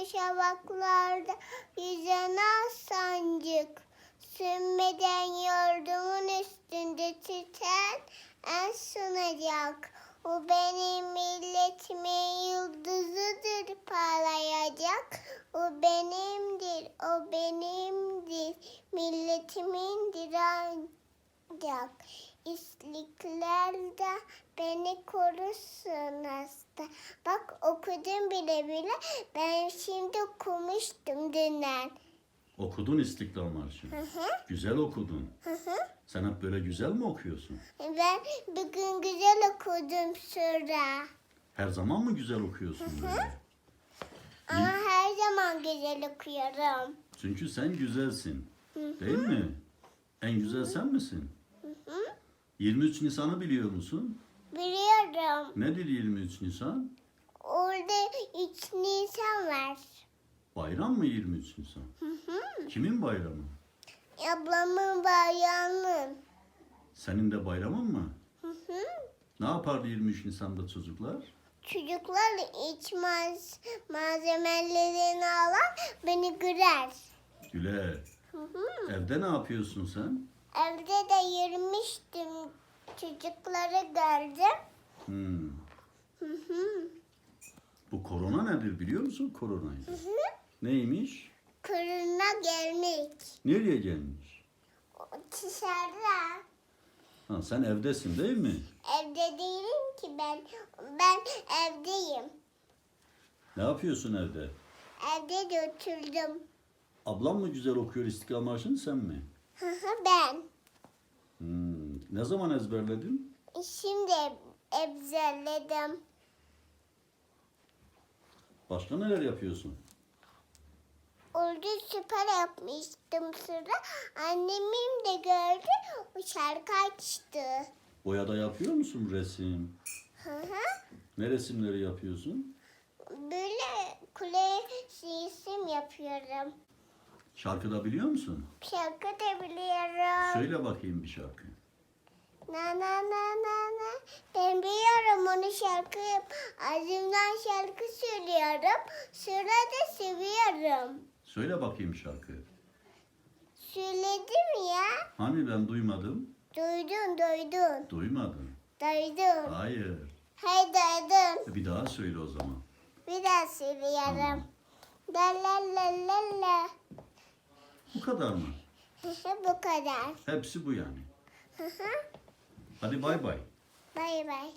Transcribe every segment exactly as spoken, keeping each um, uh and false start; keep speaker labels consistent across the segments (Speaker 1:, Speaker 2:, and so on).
Speaker 1: şafaklarda yüzen al sancık. Sönmeden yurdumun üstünde tüten en sunacak. O benim milletimin yıldızıdır parlayacak. O benimdir, o benimdir, milletimindir ancak. İsliklerde beni korusun hasta. Bak okudum bile bile, ben şimdi okumuştum dünden.
Speaker 2: Okudun İstiklal Marşı'nı.
Speaker 1: Hı hı.
Speaker 2: Güzel okudun.
Speaker 1: Hı hı.
Speaker 2: Sen hep böyle güzel mi okuyorsun?
Speaker 1: Ben bugün güzel okudum sıra.
Speaker 2: Her zaman mı güzel okuyorsun böyle?
Speaker 1: Ama her zaman güzel okuyorum.
Speaker 2: Çünkü sen güzelsin.
Speaker 1: Hı
Speaker 2: Değil mi? En güzel sen misin?
Speaker 1: hı.
Speaker 2: yirmi üç Nisan'ı biliyor musun?
Speaker 1: Biliyorum.
Speaker 2: Nedir yirmi üç Nisan?
Speaker 1: Orada üç Nisan var.
Speaker 2: Bayram mı yirmi üç Nisan?
Speaker 1: Hı hı.
Speaker 2: Kimin bayramı?
Speaker 1: Ablamın bayramının.
Speaker 2: Senin de bayramın mı?
Speaker 1: Hı hı.
Speaker 2: Ne yapardı yirmi üç Nisan'da çocuklar?
Speaker 1: Çocuklar iç maz malzemelerini alan beni güler.
Speaker 2: Güler.
Speaker 1: Hı hı.
Speaker 2: Evde ne yapıyorsun sen?
Speaker 1: Evde de yürümüştüm. Çocukları gördüm.
Speaker 2: Hmm.
Speaker 1: Hı hı.
Speaker 2: Bu korona nedir biliyor musun koronayı?
Speaker 1: Hı hı.
Speaker 2: Neymiş?
Speaker 1: Kırına gelmek.
Speaker 2: Nereye gelmiş?
Speaker 1: Dışarıda.
Speaker 2: Ha, sen evdesin değil mi?
Speaker 1: Evde değilim ki ben. Ben evdeyim.
Speaker 2: Ne yapıyorsun evde?
Speaker 1: Evde de oturdum.
Speaker 2: Ablam mı güzel okuyor İstiklal Marşı'nı sen mi?
Speaker 1: Hı hı, ben.
Speaker 2: Hmm. Ne zaman ezberledin?
Speaker 1: Şimdi ezberledim.
Speaker 2: Başka neler yapıyorsun?
Speaker 1: Orada süper yapmıştım sıra. Annemim de gördü. O şarkı açtı.
Speaker 2: Boyada yapıyor musun resim?
Speaker 1: Hı hı.
Speaker 2: Ne resimleri yapıyorsun?
Speaker 1: Böyle kule resim yapıyorum.
Speaker 2: Şarkı da biliyor musun?
Speaker 1: Şarkı da biliyorum.
Speaker 2: Söyle bakayım bir şarkı.
Speaker 1: Na na na na na. Ben biliyorum onu şarkı. Ağzımdan şarkı söylüyorum. Sonra da seviyorum.
Speaker 2: Söyle bakayım şarkı.
Speaker 1: Söyledim ya.
Speaker 2: Hani ben duymadım?
Speaker 1: Duydun duydun.
Speaker 2: Duymadım.
Speaker 1: Duydun.
Speaker 2: Hayır.
Speaker 1: Hey duydun.
Speaker 2: E Bir daha söyle o zaman.
Speaker 1: Bir daha söylüyorum. La la la la la.
Speaker 2: Bu kadar mı?
Speaker 1: Bu kadar.
Speaker 2: Hepsi bu yani.
Speaker 1: Hı hı.
Speaker 2: Hadi bay bay.
Speaker 1: Bay bay.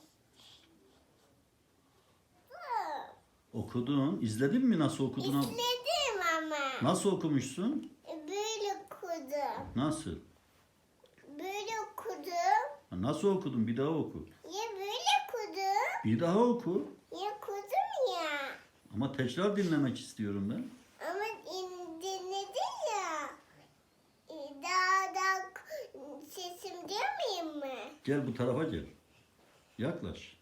Speaker 2: Okudun. İzledin mi nasıl okudun?
Speaker 1: İzledim ama.
Speaker 2: Nasıl okumuşsun?
Speaker 1: Böyle okudum.
Speaker 2: Nasıl?
Speaker 1: Böyle okudum.
Speaker 2: Ha, Nasıl okudun? Bir daha oku.
Speaker 1: Ya böyle okudum.
Speaker 2: Bir daha oku.
Speaker 1: Ya okudum ya.
Speaker 2: Ama tekrar dinlemek istiyorum ben.
Speaker 1: Ama in- dinledin ya. E, Daha da sesim duymayayım mı?
Speaker 2: Gel bu tarafa gel. Yaklaş.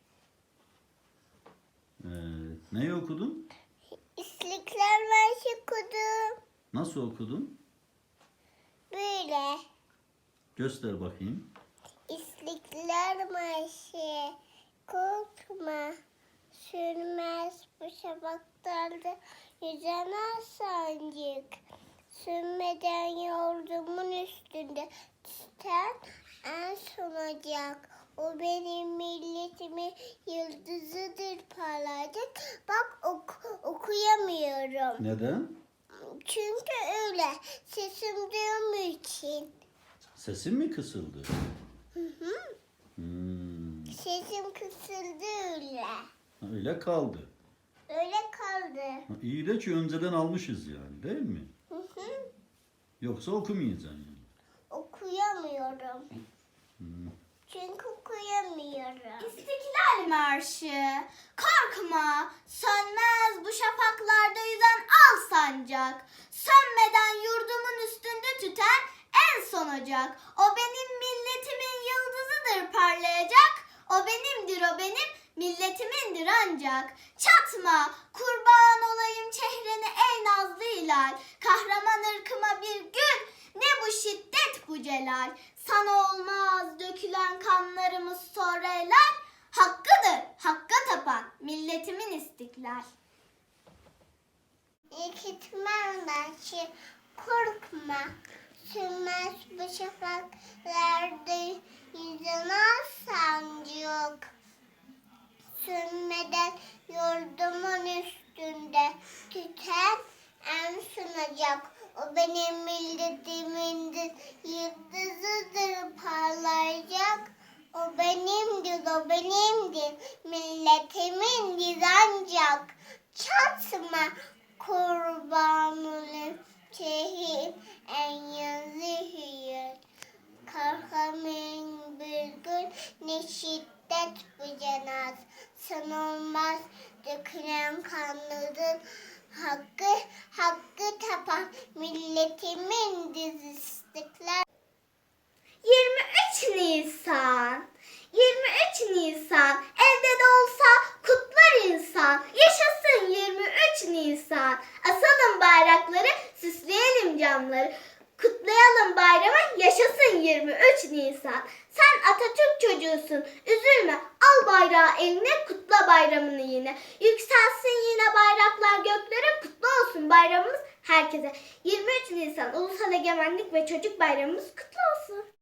Speaker 2: Ee, neyi okudun?
Speaker 1: İstiklal Marşı okudum.
Speaker 2: Nasıl okudun?
Speaker 1: Böyle.
Speaker 2: Göster bakayım.
Speaker 1: İstiklal Marşı. Korkma. Sürmez bu şafaklarda yüzen al sancık. Sönmeden yurdumun üstünde tüten en sonacak. O benim milletimin yıldızıdır parlayacak. Bak ok- okuyamıyorum.
Speaker 2: Neden?
Speaker 1: Çünkü öyle. Sesim duymuyor için.
Speaker 2: Sesin mi kısıldı?
Speaker 1: Hı hı.
Speaker 2: Hmm,
Speaker 1: Sesim kısıldı öyle.
Speaker 2: öyle kaldı.
Speaker 1: Öyle kaldı.
Speaker 2: Ha, İyi de ki önceden almışız yani değil mi?
Speaker 1: Hı hı.
Speaker 2: Yoksa okumayacaksın yani.
Speaker 1: Okuyamıyorum.
Speaker 2: Hmm.
Speaker 1: Çünkü okuyamıyorum.
Speaker 3: İstiklal Marşı. Korkma, sönmez bu şafaklarda yüzen al sancak. Sönmeden yurdumun üstünde tüten en son ocak. O benim milletimin yıldızıdır parlayacak. O benimdir, o benim milletimindir ancak. Çatma, kurban olayım çehreni ey nazlı hilal. Kahraman ırkıma bir gül, ne bu şiddet bu celal. Sana olmaz dökülen kanlarımız sonra helal. Hakkıdır, hakka tapan milletimin istiklal.
Speaker 1: Gitmem başı korkma. Sürmez bu şafaklarda yüzün al sancak. Sönmeden yurdumun üstünde tüten en sunacak. O benim milletimindir, yıldızıdır parlayacak. O benimdir, o benimdir, milletimindir ancak. Çatma kurban olayım, şehit en yazı hüyür. Kalkamayın bir gün, ne şiddet bu cenaz. Sanılmaz dökülen kanların hakkı, hakkı tapan milletimin diz istiklal.
Speaker 3: yirmi üç Nisan yirmi üç Nisan evde de olsa kutlar insan. Yaşasın yirmi üç Nisan. Asalım bayrakları, süsleyelim camları. Kutlayalım bayramı, yaşasın yirmi üç Nisan. Sen Atatürk çocuğusun, üzülme. Al bayrağı eline, kutla bayramını yine. Yükselsin yine bayraklar göklere, kutlu olsun bayramımız herkese. yirmi üç Nisan Ulusal Egemenlik ve Çocuk Bayramımız kutlu olsun.